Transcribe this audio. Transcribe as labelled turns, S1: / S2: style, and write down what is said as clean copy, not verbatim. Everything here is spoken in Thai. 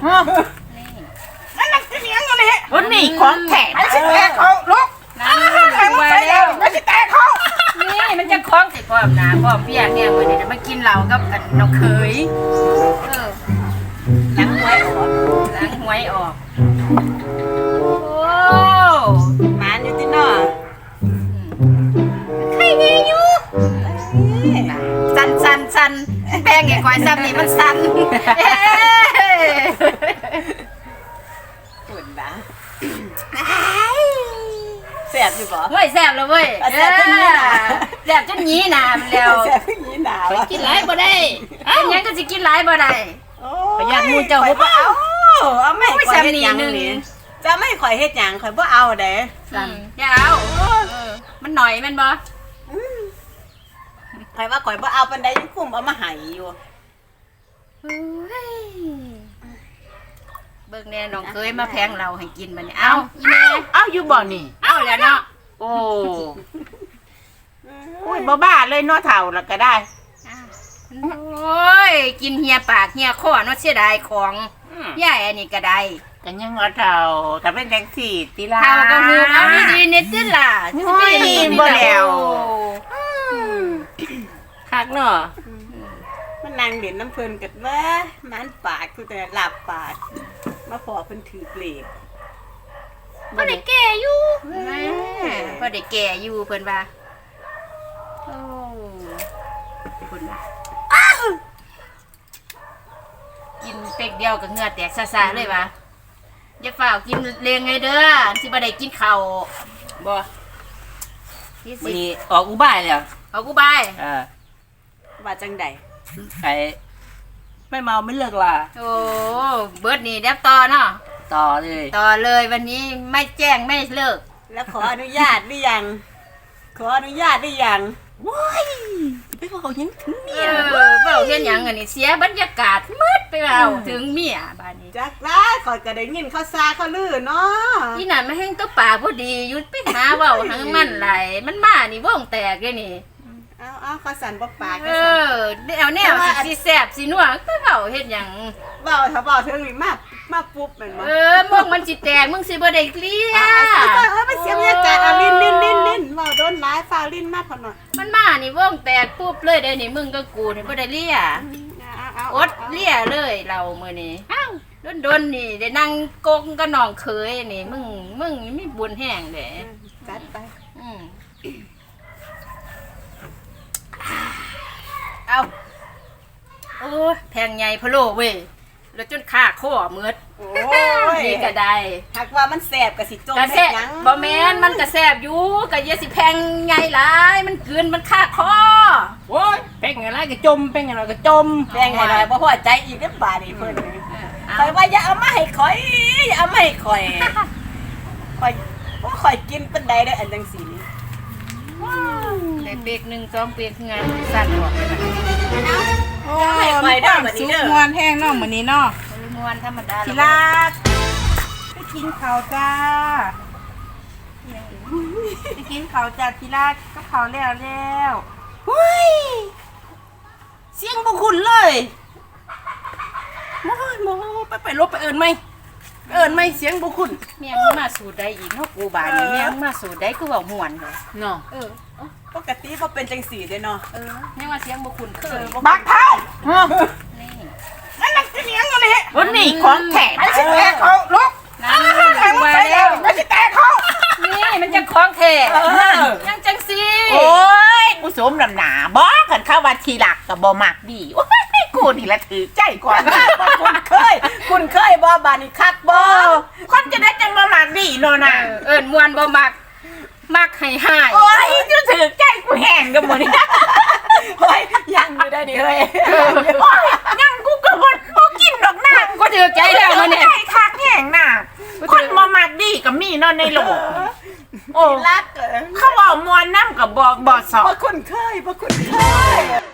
S1: นั่นนักเสียงอยู่นี่
S2: วันนี้ของแถม
S1: ไอ้สิแตกเขาลุกแข่งมาแล้วไอ้สิแตกเขา
S3: นี่มันจะคล้องใส่ความหนาความเพียงเนี่ยวันนี้จะมากินเหล้ากับกันน้องเคย
S2: หลังหวยออก
S3: ล้างหวยออกโอ้
S2: มานอยู่ที่นอ
S3: ใครดีอยู่สันแป้งไงควายซ้ำนี่มันสัน
S2: หุ่นบ้าแสบอยู่บ่
S3: เว้ยแซ่บแล้วเว้ยแซ่บจนนี้นะมันแล้ว
S2: แสบอย่างนี้หนาว
S3: กินหลายบ่ได้เป็นยังก็สิกินหลายบ่ได้ประหยัดมูเจ้าบ่
S2: เอาไม่ข่อยเฮ็ดหยังนี่จะไม่ข่อยเฮ็ดหยังข่อยบ่เอาเด้
S3: อย่าเอามันหน่อยแม่นบ่
S2: ข่อยว่าข่อยบ่เอาปานใดยังคุ้มเอามาให้อยู่
S3: เบิ่งแน่น้องเคยมาแพงเราให้กินบัดนี้เอาอีแม่
S1: เอาอยู่บ่นี่
S3: เอาแล้วเนาะ
S1: โอ้ยบ้าเลยเนาะเฒ่าแล้วก็ได้
S3: โอ้ยกินเฮียปากเฮียคอเนาะเสียดายของยายอันนี้ก็ได้
S1: กันยังว่าเฒ่าถ้าเป็นจังซี่ติล่ะ
S3: เฒ่าก็ฮือเอาดีๆเน็ตติล่ะ
S1: บ่แล้ว
S3: คักเนาะ
S2: มันนั่งเด่นน้ำเพลินกันว่ามันปากคือแต่หลับปากมาพอเพิ่นถือเปลก
S3: บ่ได้แก่อยู่บ่ได้แก่อยู่เพิ่นว่าโอ้เพิ่นกินเป็กเดียวกับเหงื่อแตกซ่าๆเลยวะอย่าฝ่าวกินเลี้ยงไงเด้อสิบ่ได้กินข้าวบ่
S1: นี่ออกอุบายแล้ว
S3: เอากูบาย
S2: ว่าจังใด
S1: ไอ้ไม่เมาไม่เลิกล่ะ
S3: โอ้เบิดนี่เดี๋ยวต่อเนาะ
S1: ต่อ
S3: เลยวันนี้ไม่แจ้งไม่เลิก
S2: แล้วขออนุญาตหรือยังขออนุญาตหรือยัง
S1: ว้ายไปบอกเขายังถึงเมีย
S3: เว้าเฮ็ดหยังอันนี้เสียบรรยากาศมืดไปเอาถึงเมียบ้านนี้
S2: จักได้ขอยก็ได้ยินเขาซาเขาลือเนาะ
S3: ที่นั่นมาแห้งตัวปากพอดีหยุดไปหาเว้าทั้งมันไหลมันมานี่วงแตกเลยนี่
S2: เอาเขาสั่นบ่ปาก
S3: เอาแนวสิแซ่บสินัวก็เว้าเฮ็ดหยัง
S2: เว้าถ้าเว้าถึงนี่มาปุ๊บแม่นบ่
S3: มึงมันสิแตกมึงสิบ่ได้เกลีย
S2: ไปเสียบรรยากาศเอาลิ้นเว้าโดนหลายฟ้าลิ้นมาพอหน่อย
S3: มันมานี่วงแตกปุ๊บเลยเด้นี่มึงก็กูนี่บ่ได้เลียอดเลียเลยเรามื้อนี้โดนนี่ได้นั่งกงกับน้องเคยนี่มึงมีบุญแห้งเด้
S2: จัดไป
S3: เอาโอ้แพงใหญ่พะโล้เว้ยแล้วจนขาข้อมืด
S2: โอ้ย
S3: นี่ก็ได้
S2: หากว่ามันแสบก็สิจม
S3: เฮ็ดหยังบ่แม่นมันก็แสบอยู่ก็อย่าสิแพงใหญ่หลายมันเกินมันขาคอ
S1: โอ้ยแพงอะไรก็จมแพงอะไรก็จม
S2: แพงอะไรบ่พอใจอีกเด้อบาดนี้เพิ่นข่อยว่าอย่าเอามาให้ข่อยอย่าเอามาให้ข่อยข่อยกินปานใดได้อันจังซี่นี่
S3: ได้เปียก1 2เปียกงานสั่นออกเลยบัดนี้
S2: โอ้ยข่อยได้บัดนี้เด้อ
S1: ม่วนแห้งเนาะมื้อนี้เนาะ
S3: ม่วนธรรมดา
S1: ทีรักไปกินข้าวจ้าไปกินข้าวจ้าทีรักก็ข้าวแล้วเฮ้ยเสียงบ่คุ้นเลยโอ้ยไปลบไปเอิ้นไหมเสียงบ่คุ้น
S3: เมียมึงมาสูดได้อีกเนาะกูบาดนี่เมียมึงมาสูดได้คือเว้าม่วนเลย
S1: เนาะ
S2: ปกติบ่เป็นจังซี่เด้เนาะ
S3: ยังว่าเสียงบ่คุ้นเคย
S1: บักเท้า
S3: นี่
S1: นั่นนักเสียงอยู่นี่วันนี้ของแถมไอ้สิแตกเขาลุกแข่งมาแล้วไอ้สิแตกเขา
S3: นี่มันจะคล้องแท้ยังจังซี่
S1: โอ้ยกูสมน้ำหนาบ่กันเข้าว่าทีหลักก็บ่มักดีโอ้ยกูนี่ละถือใจกว่า
S2: คุณเคยบ่บานี่คักบ่
S1: คนจะได้จังบ่มักดีเนาะน่ะ
S3: ม่วนบ่มักให้หาย
S1: โอ้ยจะถือใจกูแห้งกันหมดนี่
S2: เฮ้ยยังอยู่ได้ดิเฮ้ย
S1: ยังกูก็บ่กินดอกน้ำ
S3: ก็ถือใจแล้วมื้อนี้
S1: ใจคักแห้งน่ะคนบ่มักดีก็มีเนาะในโลก
S2: โอ้รัก
S1: เขาบอกมวนน้ำกับบ่สอบ
S2: บ่คุ้นเคย